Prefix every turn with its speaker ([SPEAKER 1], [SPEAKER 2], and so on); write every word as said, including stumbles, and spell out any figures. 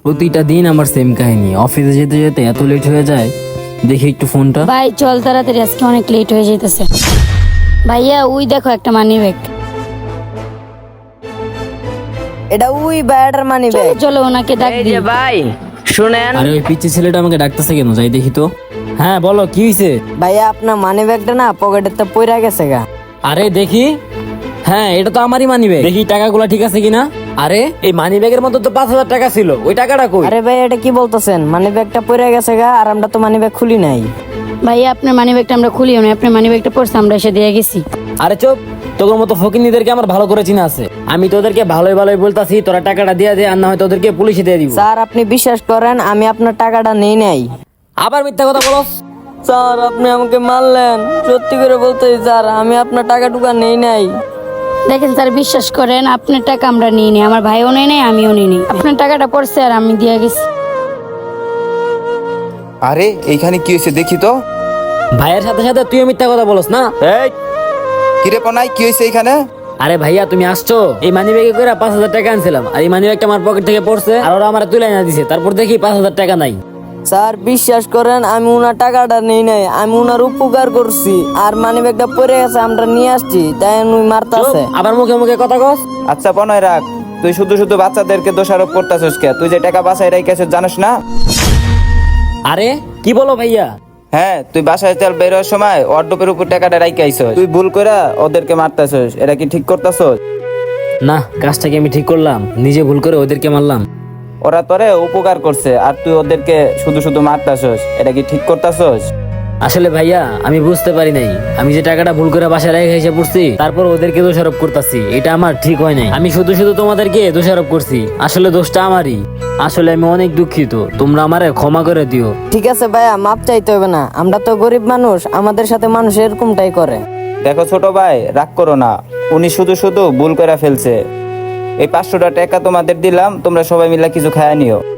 [SPEAKER 1] প্রতিটা দিন আমার সেম কাহিনী, অফিসে যেতে যেতে এত লেট হয়ে যায়। দেখি একটু ফোনটা।
[SPEAKER 2] ভাই চল তাড়াতাড়ি, আজকে অনেক লেট হয়ে যাইতেছে। ভাইয়া ওই দেখো একটা মানি ব্যাগ।
[SPEAKER 3] এটা ওই ব্যাটার মানি
[SPEAKER 2] চলো
[SPEAKER 3] ব্যাগ।
[SPEAKER 2] চলো ওনাকে ডাক
[SPEAKER 4] এই
[SPEAKER 2] দিই।
[SPEAKER 4] যে ভাই শুনেন,
[SPEAKER 1] আরে ওই পিচ্ছি ছেলেটা আমাকে ডাকতেছে কেন? যাই দেখি তো। হ্যাঁ বলো, কি হয়েছে?
[SPEAKER 3] ভাইয়া আপনার মানি ব্যাগটা না পকেটে তো পইরা গেছে গা।
[SPEAKER 1] আরে দেখি। হ্যাঁ এটা তো আমারই মানি ব্যাগ। দেখি টাকাগুলো ঠিক আছে কিনা। আরে এই মানি ব্যাগের মধ্যে তো পাঁচ হাজার টাকা ছিল, ওই টাকাটা কই?
[SPEAKER 3] আরে ভাই এটা কি বলতেছেন? মানি ব্যাগটা পইরা গেছে গা, আর আমরা তো মানি ব্যাগ খুলি নাই।
[SPEAKER 2] ভাইয়া আপনার মানি ব্যাগটা আমরা খুলিও না, আপনার মানি ব্যাগটা পড়ছে, আমরা এসে দিয়ে গেছি।
[SPEAKER 1] আরে চুপ, তোর মতো ফকিনীদেরকে আমার ভালো করে চিনা আছে। আমি তোদেরকে ভালোই ভালোই বলতাছি তোরা টাকাটা দিয়ে দে, আর না হয় তোদেরকে পুলিশে দিয়ে দিব।
[SPEAKER 3] স্যার আপনি বিশ্বাস করেন আমি আপনার টাকাটা নেই নাই।
[SPEAKER 1] আবার মিথ্যা কথা বলস?
[SPEAKER 3] স্যার আপনি আমাকে মারলেন, সত্যি করে বলতেছি স্যার আমি আপনার টাকা টুকা নেই নাই।
[SPEAKER 2] দেখেন স্যার, বিশ্বাস করেন আপনার টাকা আমরা নিয়ে নিই, আমার ভাইও নেই নাই আমিও নিই নি। আপনার টাকাটা পড়ছে আর আমি দিয়ে গেছি।
[SPEAKER 5] আরে এইখানে কি হয়েছে দেখি তো।
[SPEAKER 1] ভাইয়ের সাথে সাথে তুইও মিথ্যা কথা বলস না? এই
[SPEAKER 5] কিরে পনাই কি হয়েছে এইখানে?
[SPEAKER 1] আরে ভাইয়া তুমি আসছো, এই মানি ব্যাগে করে পাঁচ হাজার টাকা আনছিলাম, আর এই মানি ব্যাগটা আমার পকেট থেকে পড়ছে, আর ওরা আমার তুলে না দিছে। তারপর দেখি পাঁচ হাজার টাকা নাই।
[SPEAKER 3] স্যার বিশ্বাস করেন আমি উনার টাকাটা নেই নাই, আমি উনার উপকার করছি, আর মানি ব্যাগটা পড়ে গেছে আমরা নিয়ে আসছি, তাই উনি মারতাছে।
[SPEAKER 1] চুপ, আবার মুখে মুখে কথা কস।
[SPEAKER 5] আচ্ছা পনয় রাখ, তুই শুধু শুধু বাচ্চাদেরকে দোষারোপ করতেছিস কে? তুই যে টাকা বাসায় রেখেছিস জানিস না?
[SPEAKER 1] আরে কি বলো ভাইয়া?
[SPEAKER 5] হ্যাঁ তুই বাসায় চাল বের হওয়ার সময় অর্ডপের উপর টাকাটা রাইকে আইছস, তুই ভুল করে ওদেরকে মারতাছিস, এটা কি ঠিক করতেছস?
[SPEAKER 1] না, কাজটাকে আমি ঠিক করলাম, নিজে ভুল করে ওদেরকে মারলাম।
[SPEAKER 5] ওরা তোরে উপকার করছে আর তুই ওদেরকে শুধু শুধু মারতাছস, এটা কি ঠিক করতেছস?
[SPEAKER 1] আসলে ভাইয়া আমি বুঝতে পারি নাই, আমি যে টাকাটা ভুল করে বাসায় রেখে এসে পড়ছি, তারপর ওদেরকে দোষারোপ করতেছি, এটা আমার ঠিক হয় নাই। আমি শুধু শুধু তোমাদেরকে দোষারোপ করছি, আসলে দোষটা আমারই। আসলে আমি অনেক দুঃখিত, তোমরা আমারে ক্ষমা করে দিও।
[SPEAKER 3] ঠিক আছে ভাইয়া, মাপ চাইতে হবে না, আমরা তো গরিব মানুষ, আমাদের সাথে মানুষ এরকমটাই করে।
[SPEAKER 5] দেখো ছোট ভাই, রাগ করো না, উনি শুধু শুধু ভুল করে ফেলছে। এই পাঁচশোটা টাকা তোমাদের দিলাম, তোমরা সবাই মিলে কিছু খায় নিও।